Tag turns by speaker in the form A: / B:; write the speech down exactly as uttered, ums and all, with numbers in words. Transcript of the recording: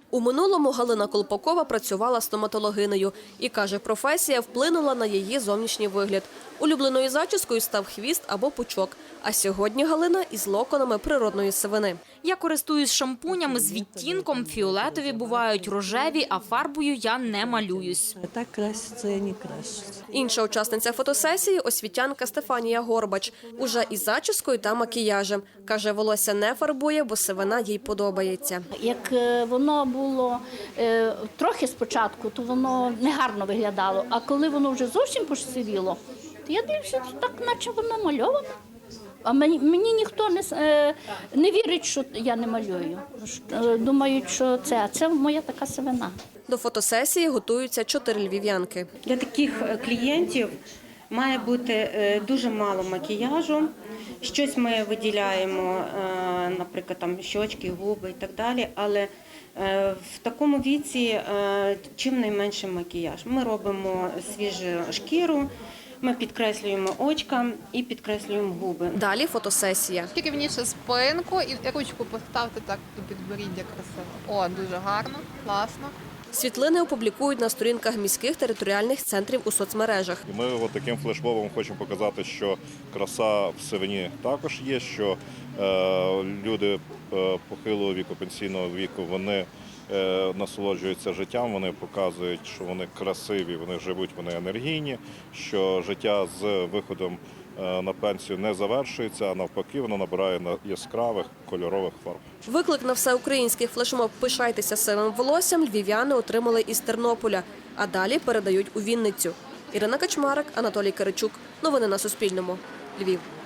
A: У минулому Галина Колпакова працювала стоматологинею і, каже, професія вплинула на її зовнішній вигляд. Улюбленою зачіскою став хвіст або пучок. А сьогодні Галина із локонами природної сивини.
B: Я користуюсь шампунями з відтінком, фіолетові бувають, рожеві, а фарбою я не малююсь.
C: Так краситься, я не крашусь.
A: Інша учасниця фотосесії – освітянка Стефанія Горбач. Уже із зачіскою та макіяжем. Каже, волосся не фарбує, бо сивина їй подобається.
D: Як е, воно було е, трохи спочатку, то воно негарно виглядало. А коли воно вже зовсім посивіло, то я дивлюся, так наче воно мальоване. А мені, мені ніхто не, е, не вірить, що я не малюю. Е, Думають, що це, а це моя така сивина.
A: До фотосесії готуються чотири львів'янки.
E: Для таких клієнтів має бути дуже мало макіяжу. Щось ми виділяємо, наприклад, там щочки, губи і так далі, але в такому віці чим найменший макіяж. Ми робимо свіжу шкіру, ми підкреслюємо очка і підкреслюємо губи.
A: Далі фотосесія.
F: Рівніше спинку і ручку поставте так до підборіддя красиво. О, дуже гарно, класно.
A: Світлини опублікують на сторінках міських територіальних центрів у соцмережах.
G: Ми от таким флешмобом хочемо показати, що краса в сивині також є, що е, люди е, похилого віку, пенсійного віку, вони е, насолоджуються життям, вони показують, що вони красиві, вони живуть, вони енергійні, що життя з виходом е, на пенсію не завершується, а навпаки, воно набирає яскравих кольорових фарб.
A: Виклик на всеукраїнський флешмоб «Пишайтеся сивим волоссям» львів'яни отримали із Тернополя, а далі передають у Вінницю. Ірина Качмарик, Анатолій Киричук. Новини на Суспільному. Львів.